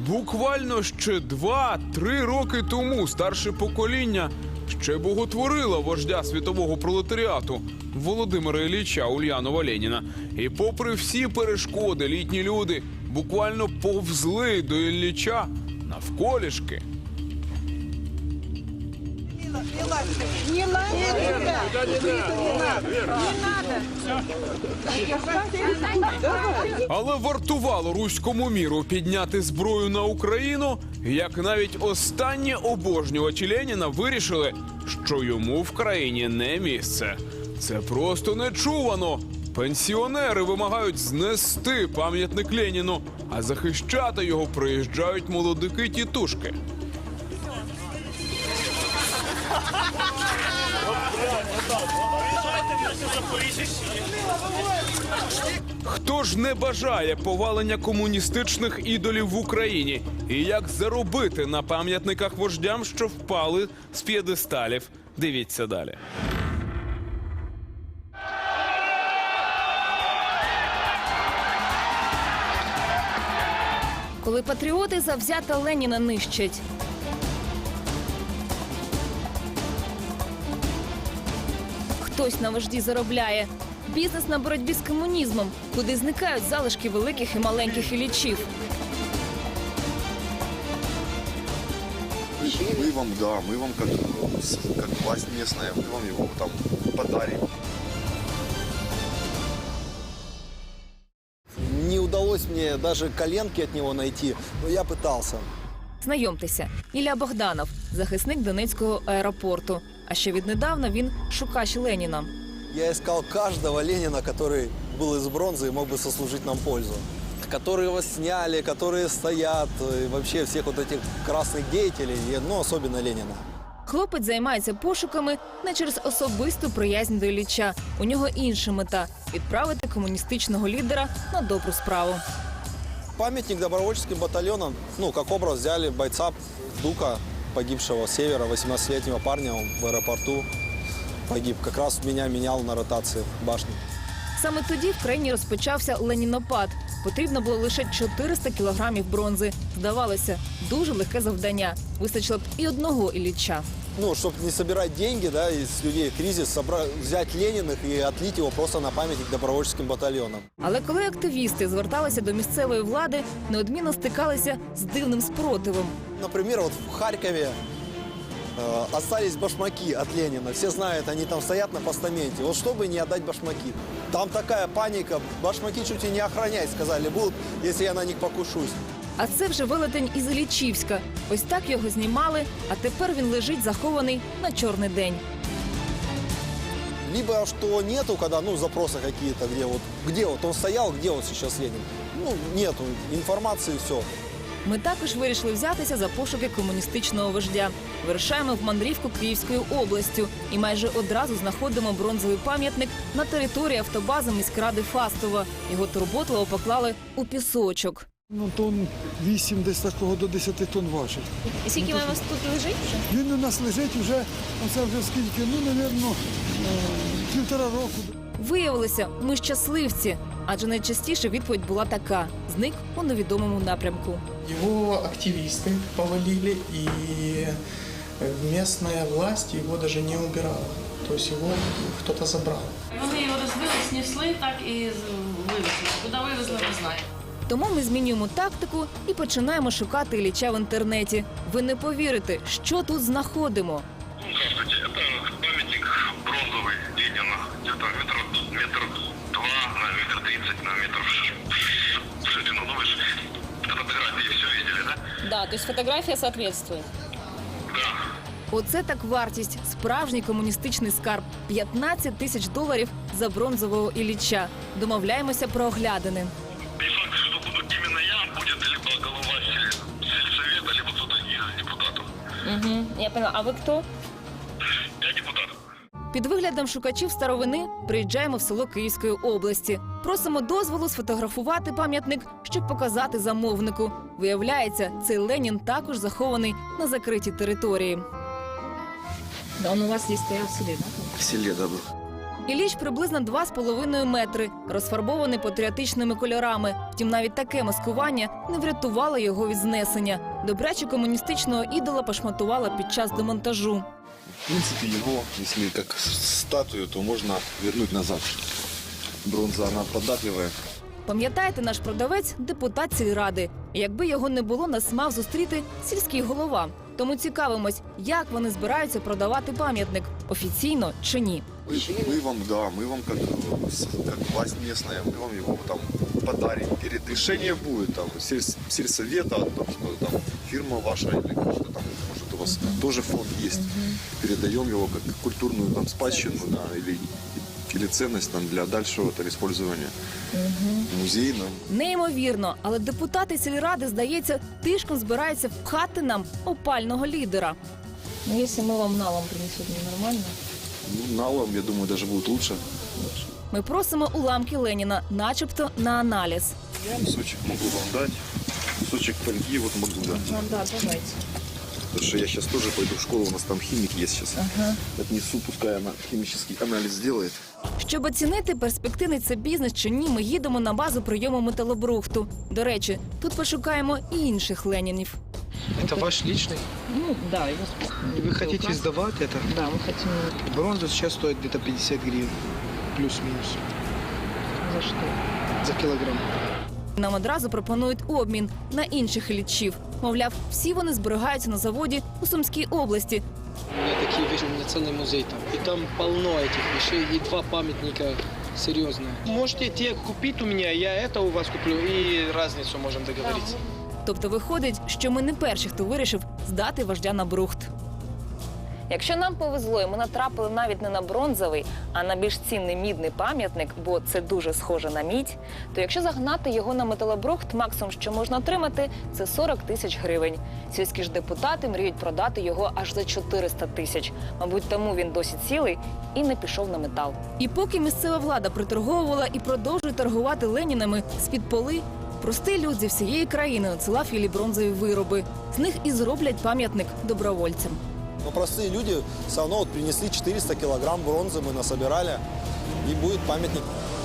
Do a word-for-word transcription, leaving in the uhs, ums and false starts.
Буквально ще два-три роки тому старше покоління ще боготворило вождя світового пролетаріату Володимира Ілліча Ульянова Леніна. І попри всі перешкоди, літні люди буквально повзли до Ілліча навколішки. Не надо. Але вартувало руському міру підняти зброю на Україну, як навіть останні обожнювачі Леніна вирішили, що йому в країні не місце. Це просто нечувано. Пенсіонери вимагають знести пам'ятник Леніну, а захищати його приїжджають молодики-тітушки. Хто ж не бажає повалення комуністичних ідолів в Україні? І як заробити на пам'ятниках вождям, що впали з п'єдесталів? Дивіться далі. Коли патріоти завзято Леніна нищать. Хтось на вожді заробляє. Бізнес на боротьбі з комунізмом, куди зникають залишки великих і маленьких Іллічів. Мы вам, да, мы вам как, как власть местная, мы вам его там подарим. Не удалось мне даже коленки от него найти, но я пытался. Знайомтеся, Ілля Богданов, захисник Донецького аеропорту. А ще віднедавна він шукач Леніна. Я искал каждого Ленина, который был из бронзы и мог бы сослужить нам пользу. Которые его сняли, которые стоят, и вообще всех вот этих красных деятелей, ну, особенно Ленина. Хлопець займається пошуками не через особисту приязнь до Ілліча. У нього інша мета – відправити комуністичного лідера на добру справу. Памятник добровольческим батальонам, ну, как образ взяли бойца Дука, погибшего с севера, восемнадцатилетнего парня, он в аэропорту погиб. Как раз меня менял на ротации башни. Саме тоді в країні розпочався ленінопад. Потрібно було лише чотириста кілограмів бронзи. Здавалося, дуже легке завдання. Вистачило б і одного Ілліча. Ну, чтобы не собирать деньги, да, из людей кризис, собрать, взять Лениных и отлить его просто на памятник добровольческим батальонам. Але коли активісти зверталися до місцевої влади, неодмінно стикалися з дивним спротивом. Например, вот в Харькове э, остались башмаки от Ленина. Все знают, они там стоят на постаменте. Вот чтобы не отдать башмаки. Там такая паника. Башмаки чуть и не охранять, сказали, будут, если я на них покушусь. А це вже велетень із Іллічівська. Ось так його знімали, а тепер він лежить захований на чорний день. Либо что нету, когда, ну, запросы какие-то, где вот, где вот он стоял, где вот сейчас Ленин. Ну, нету информации, все. Ми також вирішили взятися за пошуки комуністичного вождя. Вирушаємо в мандрівку Київською областю і майже одразу знаходимо бронзовий пам'ятник на території автобази міськради Фастова. Його турботливо поклали у пісочок. Ну, тонн вісім, десь такого до десяти тонн важить. І скільки у вас тут лежить вже? Він у нас лежить вже, оце вже скільки, ну, мабуть, півтора року. Виявилося, ми щасливці, адже найчастіше відповідь була така – зник у невідомому напрямку. Его активисты повалили, и местная власть его даже не убирала. То есть его кто-то забрал. Вони його розбили, снесли, так і вивезли. Куди вивезли, не знаю. Тому ми змінюємо тактику і починаємо шукати Ілліча в інтернеті. Ви не повірите, що тут знаходимо. Здравствуйте, это памятник бронзовый Ленина, где-то метр, метр два на метр тридцать, на метр в ширину. Ну вы же фотографии все видели, да? Да, то есть фотографія соответствує. Да. Оце так вартість. Справжній комуністичний скарб. п'ятнадцять тисяч доларів за бронзового Ілліча. Домовляємося про оглядини. Не факт, что буду именно я, будет либо голова сельсовета, либо кто-то из депутатов. Угу, я поняла. А ви хто? Я депутат. Під виглядом шукачів старовини приїжджаємо в село Київської області. Просимо дозволу сфотографувати пам'ятник, щоб показати замовнику. Виявляється, цей Ленін також захований на закритій території. Да, он у вас здесь стоял в селе, да? В селе, да, был. Ілліч приблизно два з половиною метри, розфарбований патріотичними кольорами. Втім, навіть таке маскування не врятувало його від знесення. Добряче комуністичного ідола пошматувала під час демонтажу. В принципе, его, если как статую, то можно вернуть назад. Бронза, она податливая. Пам'ятаєте, наш продавець – депутат сільради. І якби його не було, нас мав зустріти сільський голова. Тому цікавимось, як вони збираються продавати пам'ятник – офіційно чи ні. Мы, мы вам, да, мы вам как, как власть местная, мы вам его там подарим. Перед решение будет там сельс- сельсовета, о том, что там фирма ваша или что там, может у вас тоже фонд есть. Передаем его как культурную там спадщину, да, или, или ценность там для дальшего там использования музейном. Неймовірно, але депутати сільради, здається, тишком збираються впхати нам опального лідера. Ну, якщо ми вам налом принесемо, нормально? Ну, налом, я думаю, даже будет лучше. Ми просимо уламки Леніна, начебто на аналіз. Кусочек могу вам дать. Кусочек фольги вот могу дать. Ну, да, давайте. Потому что я сейчас тоже пойду в школу, у нас там химик есть сейчас. Ага. Отнесу, пускай она химический анализ сделает. Щоб оцінити, перспективний це бізнес чи ні, ми їдемо на базу прийому металобрухту. До речі, тут пошукаємо і інших Ленінів. Это ваш личный? Ну, да, Вы хотите сдавать это? Да, ми хочемо. Бронза сейчас стоит где-то пятьдесят гривен. Плюс-минус. За що? За килограмм. Нам одразу пропонують обмін на інших іллічів. Мовляв, всі вони зберігаються на заводі у Сумській області. У меня такие вещи, у меня целый музей там. И там полно этих вещей, и два памятника серьезные. Можете те купить у меня, я это у вас куплю, и разницу можем договориться. Тобто виходить, що ми не перші, хто вирішив здати вождя на брухт. Якщо нам повезло, і ми натрапили навіть не на бронзовий, а на більш цінний мідний пам'ятник, бо це дуже схоже на мідь, то якщо загнати його на металобрухт, максимум, що можна отримати, це сорок тисяч гривень. Сільські ж депутати мріють продати його аж за чотириста тисяч. Мабуть, тому він досі цілий і не пішов на метал. І поки місцева влада приторговувала і продовжує торгувати Ленінами з-під поли, простий люд зі всієї країни надсилав Іллі бронзові вироби. З них і зроблять пам'ятник добровольцям. Но простые люди все равно вот принесли четыреста килограмм бронзы, мы насобирали, и будет памятник.